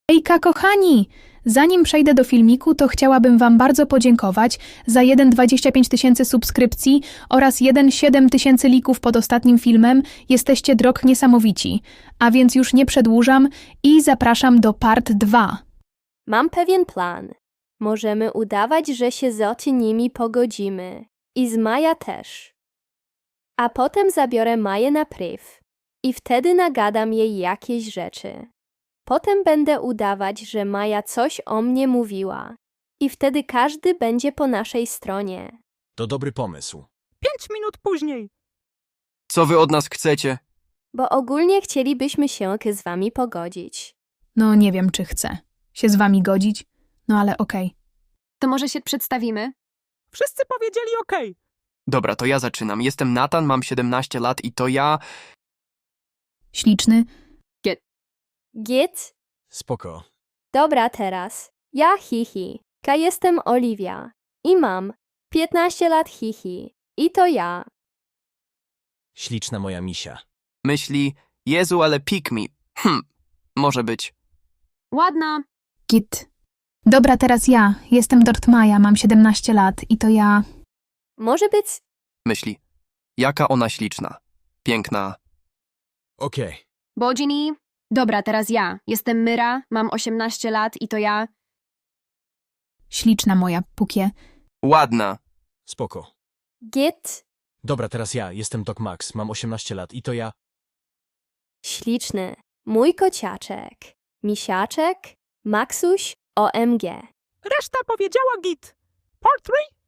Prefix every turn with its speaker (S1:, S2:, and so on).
S1: Ejka, kochani! Zanim przejdę do filmiku, to chciałabym Wam bardzo podziękować za 25 000 subskrypcji oraz 7 000 lików pod ostatnim filmem. Jesteście niesamowici. A więc już nie przedłużam i zapraszam do part 2.
S2: Mam pewien plan. Możemy udawać, że się z nimi pogodzimy. I z Maja też. A potem zabiorę Maję na priv. I wtedy nagadam jej jakieś rzeczy. Potem będę udawać, że Maja coś o mnie mówiła. I wtedy każdy będzie po naszej stronie.
S3: To dobry pomysł.
S4: 5 minut później.
S5: Co wy od nas chcecie?
S2: Bo ogólnie chcielibyśmy się z wami pogodzić.
S1: No nie wiem, czy chcę się z Wami godzić, no ale okej.
S6: To może się przedstawimy?
S4: Wszyscy powiedzieli OK.
S5: Dobra, to ja zaczynam. Jestem Nathan, mam 17 lat i to ja...
S1: Śliczny.
S2: Git?
S3: Spoko.
S2: Dobra teraz. Ja Hihi. Jestem Oliwia. I mam 15 lat Hihi. I to ja.
S3: Śliczna moja misia.
S5: Myśli, Jezu, ale pick me. Może być.
S6: Ładna.
S1: Git. Dobra, teraz ja. Jestem Dortmaja, mam 17 lat i to ja...
S2: Może być...
S5: Myśli, jaka ona śliczna. Piękna.
S3: Okej.
S6: Bodzini. Dobra, teraz ja. Jestem Myra, mam 18 lat i to ja.
S1: Śliczna moja, Pukie.
S5: Ładna.
S3: Spoko.
S2: Git?
S3: Dobra, teraz ja. Jestem Doc Max, mam 18 lat i to ja.
S2: Śliczny. Mój kociaczek. Misiaczek. Maxuś. OMG.
S4: Reszta powiedziała git. Part 3?